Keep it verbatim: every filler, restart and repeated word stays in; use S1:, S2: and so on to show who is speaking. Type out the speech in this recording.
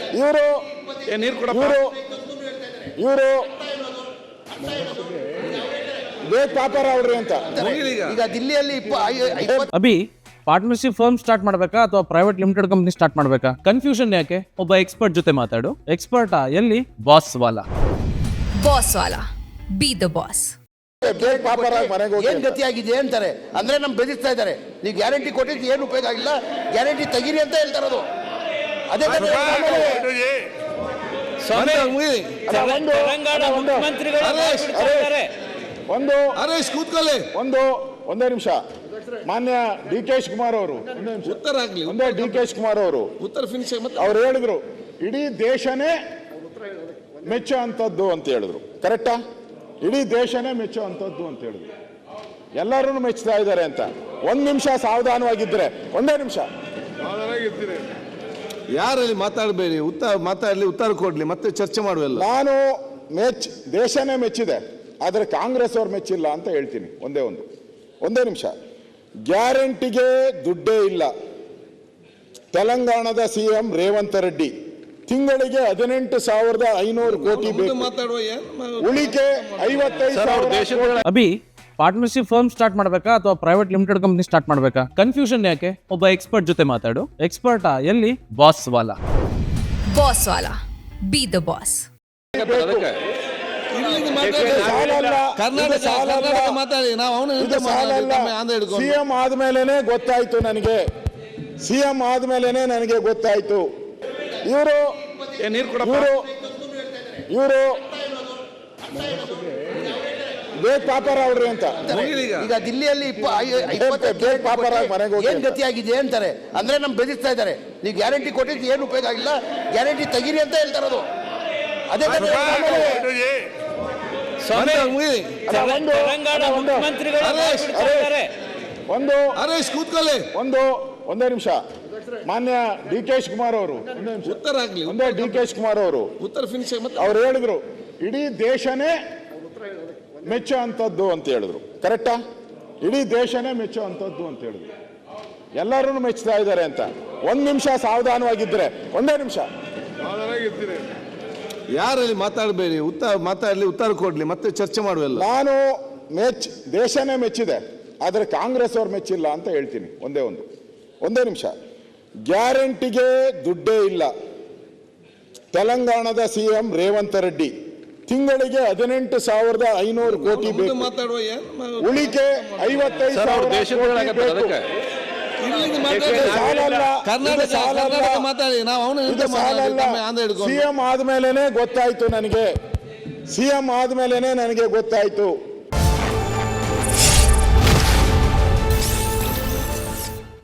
S1: ಇವರು ಇವರು ಇವರು ವೇದ್ ಪಾಪರ ಅವ್ರಿ ಅಂತ
S2: ಈಗ ದಿಲ್ಲಿಯಲ್ಲಿ
S3: ಅಭಿ ಪಾರ್ಟ್ನರ್ಶಿಪ್ ಫರ್ಮ್ ಸ್ಟಾರ್ಟ್ ಮಾಡಬೇಕಾ ಅಥವಾ ಪ್ರೈವೇಟ್ ಲಿಮಿಟೆಡ್ ಕಂಪನಿ ಸ್ಟಾರ್ಟ್ ಮಾಡಬೇಕಾ? ಕನ್ಫ್ಯೂಷನ್ ಯಾಕೆ? ಒಬ್ಬ ಎಕ್ಸ್ಪರ್ಟ್ ಜೊತೆ ಮಾತಾಡು. ಎಕ್ಸ್ಪರ್ಟಾ? ಎಲ್ಲಿ? Boss Wallah.
S4: Boss Wallah, be the boss.
S1: Ved ಪಾಪರ ಮನೆಗೆ ಹೋಗಿ
S2: ಏನ್ ಗತಿ ಆಗಿದೆ ಅಂತಾರೆ ಅಂದ್ರೆ ನಮ್ ಬೆದರಿಸ್ತಾ ಇದ್ದಾರೆ. ನೀವು ಗ್ಯಾರಂಟಿ ಕೊಟ್ಟಿದ್ದು ಏನು ಉಪಯೋಗ ಆಗಿಲ್ಲ, ಗ್ಯಾರಂಟಿ ತೆಗೀರಿ ಅಂತ ಹೇಳ್ತಾರದು. ಅದೇ
S1: ಒಂದು
S5: ಕೂತ್ಕೊಳ್ಳಿ
S1: ಒಂದು ಒಂದೇ ನಿಮಿಷ. ಮಾನ್ಯ ಡಿ ಕೆ ಶಿವಕುಮಾರ್ ಅವರು
S5: ಉತ್ತರ ಆಗ್ಲಿ.
S1: ಒಂದೇ ಡಿ ಕೆ ಶಿವಕುಮಾರ್ ಅವರು
S5: ಉತ್ತರ ಫಿನಿಶ್
S1: ಅವ್ರು ಹೇಳಿದ್ರು ಇಡೀ ದೇಶನೇ ಮೆಚ್ಚೋ ಅಂತದ್ದು ಅಂತ ಹೇಳಿದ್ರು. ಕರೆಕ್ಟಾ? ಇಡೀ ದೇಶನೇ ಮೆಚ್ಚೋ ಅಂತದ್ದು ಅಂತ ಹೇಳಿದ್ರು. ಎಲ್ಲರೂ ಮೆಚ್ಚುತ್ತಾ ಇದ್ದಾರೆ ಅಂತ. ಒಂದ್ ನಿಮಿಷ ಸಾವಧಾನವಾಗಿದ್ರೆ, ಒಂದೇ ನಿಮಿಷ
S5: ಯಾರಲ್ಲಿ ಮಾತಾಡಬೇಡಿ, ಉತ್ತರ ಮಾತಾಡಲಿ, ಉತ್ತರ ಕೊಡ್ಲಿ, ಮತ್ತೆ ಚರ್ಚೆ ಮಾಡುವಲ್ಲ.
S1: ನಾನು ಮೆಚ್ ದೇಶನೇ ಮೆಚ್ಚಿದೆ, ಆದರೆ ಕಾಂಗ್ರೆಸ್ ಅವ್ರು ಮೆಚ್ಚಿಲ್ಲ ಅಂತ ಹೇಳ್ತೀನಿ. ಒಂದೇ ಒಂದು ಒಂದೇ ನಿಮಿಷ. ಗ್ಯಾರಂಟಿಗೆ ದುಡ್ಡೇ ಇಲ್ಲ. ತೆಲಂಗಾಣದ ಸಿ ಎಂ ರೇವಂತ್ ರೆಡ್ಡಿ ತಿಂಗಳಿಗೆ ಹದಿನೆಂಟು ಸಾವಿರದ ಐನೂರು ಕೋಟಿ ಬೇಕು. ಉಳಿಕೆ ಐವತ್ತೈದು ಸಾವಿರ.
S3: ಅಭಿ ಪಾರ್ಟ್ನರ್ಶಿಪ್ ಫರ್ಮ್ ಸ್ಟಾರ್ಟ್ ಮಾಡಬೇಕಾ ಅಥವಾ ಪ್ರೈವೇಟ್ ಲಿಮಿಟೆಡ್ ಕಂಪನಿ ಸ್ಟಾರ್ಟ್ ಮಾಡಬೇಕಾ? ಕನ್ಫ್ಯೂಷನ್ ಯಾಕೆ? ಒಬ್ಬ ಎಕ್ಸ್ಪರ್ಟ್ ಜೊತೆ ಮಾತಾಡು. ಎಕ್ಸ್ಪರ್ಟಾ? ಎಲ್ಲಿ? Boss Wallah.
S4: Boss Wallah, be the boss.
S1: CM ಆದ್ಮೇಲೆನೆ ಗೊತ್ತಾಯ್ತು ನನಗೆ, ಸಿಎಂ ಆದ್ಮೇಲೆನೆ ನನಗೆ ಗೊತ್ತಾಯ್ತು. ಇವರು ಇವರು ಇವರು ವೇದ್ ಪಾಪರ ಅವ್ರಿ ಅಂತ
S2: ಈಗ ದಿಲ್ಲಿಯಲ್ಲಿ
S1: ವೇದ್ ಪಾಪರ ಮನೆಗೆ ಹೋಗಿ
S2: ಏನ್ ಗತಿ ಆಗಿದೆ ಅಂತಾರೆ ಅಂದ್ರೆ ನಮ್ ಬೆದರಿಸ್ತಾ ಇದ್ದಾರೆ. ನೀವು ಗ್ಯಾರಂಟಿ ಕೊಟ್ಟಿದ್ದು ಏನು ಉಪಯೋಗ ಆಗಿಲ್ಲ, ಗ್ಯಾರಂಟಿ ತೆಗೀರಿ ಅಂತ ಹೇಳ್ತಾರದು. ಅದೇ
S1: ಒಂದು
S5: ಕೂತ್ಕೊಳ್ಳಿ
S1: ಒಂದು ಒಂದೇ ನಿಮಿಷ. ಮಾನ್ಯ ಡಿ ಕೆ ಶಿವಕುಮಾರ್ ಅವರು
S5: ಉತ್ತರ ಆಗ್ಲಿ.
S1: ಒಂದೇ ಡಿ ಕೆ ಶಿವಕುಮಾರ್ ಅವರು
S5: ಉತ್ತರ ಫಿನಿಶ್
S1: ಅವ್ರು ಹೇಳಿದ್ರು ಇಡೀ ದೇಶನೇ ಮೆಚ್ಚೋ ಅಂತದ್ದು ಅಂತ ಹೇಳಿದ್ರು. ಕರೆಕ್ಟಾ? ಇಡೀ ದೇಶನೇ ಮೆಚ್ಚೋ ಅಂತದ್ದು ಅಂತ ಹೇಳಿದ್ರು. ಎಲ್ಲರೂ ಮೆಚ್ಚುತ್ತಾ ಇದ್ದಾರೆ ಅಂತ. ಒಂದ್ ನಿಮಿಷ ಸಾವಧಾನವಾಗಿದ್ರೆ, ಒಂದೇ ನಿಮಿಷ
S5: ಯಾರಲ್ಲಿ ಮಾತಾಡಬೇಡಿ, ಉತ್ತರ ಮಾತಾಡಲಿ, ಉತ್ತರ ಕೊಡ್ಲಿ, ಮತ್ತೆ ಚರ್ಚೆ ಮಾಡುವಲ್ಲ.
S1: ನಾನು ಮೆಚ್ ದೇಶನೇ ಮೆಚ್ಚಿದೆ, ಆದರೆ ಕಾಂಗ್ರೆಸ್ ಅವ್ರು ಮೆಚ್ಚಿಲ್ಲ ಅಂತ ಹೇಳ್ತೀನಿ. ಒಂದೇ ಒಂದು ಒಂದೇ ನಿಮಿಷ. ಗ್ಯಾರಂಟಿಗೆ ದುಡ್ಡೇ ಇಲ್ಲ. ತೆಲಂಗಾಣದ ಸಿ ಎಂ ರೇವಂತ್ ರೆಡ್ಡಿ ತಿಂಗಳಿಗೆ ಹದಿನೆಂಟು ಸಾವಿರದ ಐನೂರು ಕೋಟಿ ಬೇಕು. ಉಳಿಕೆ ಐವತ್ತೈದು ಸಾವಿರ. ಸಿಎಂ ಆದ್ಮೇಲೆನೆ ಗೊತ್ತಾಯ್ತು ನನಗೆ, ಸಿಎಂ ಆದ್ಮೇಲೆನೆ ನನಗೆ ಗೊತ್ತಾಯ್ತು.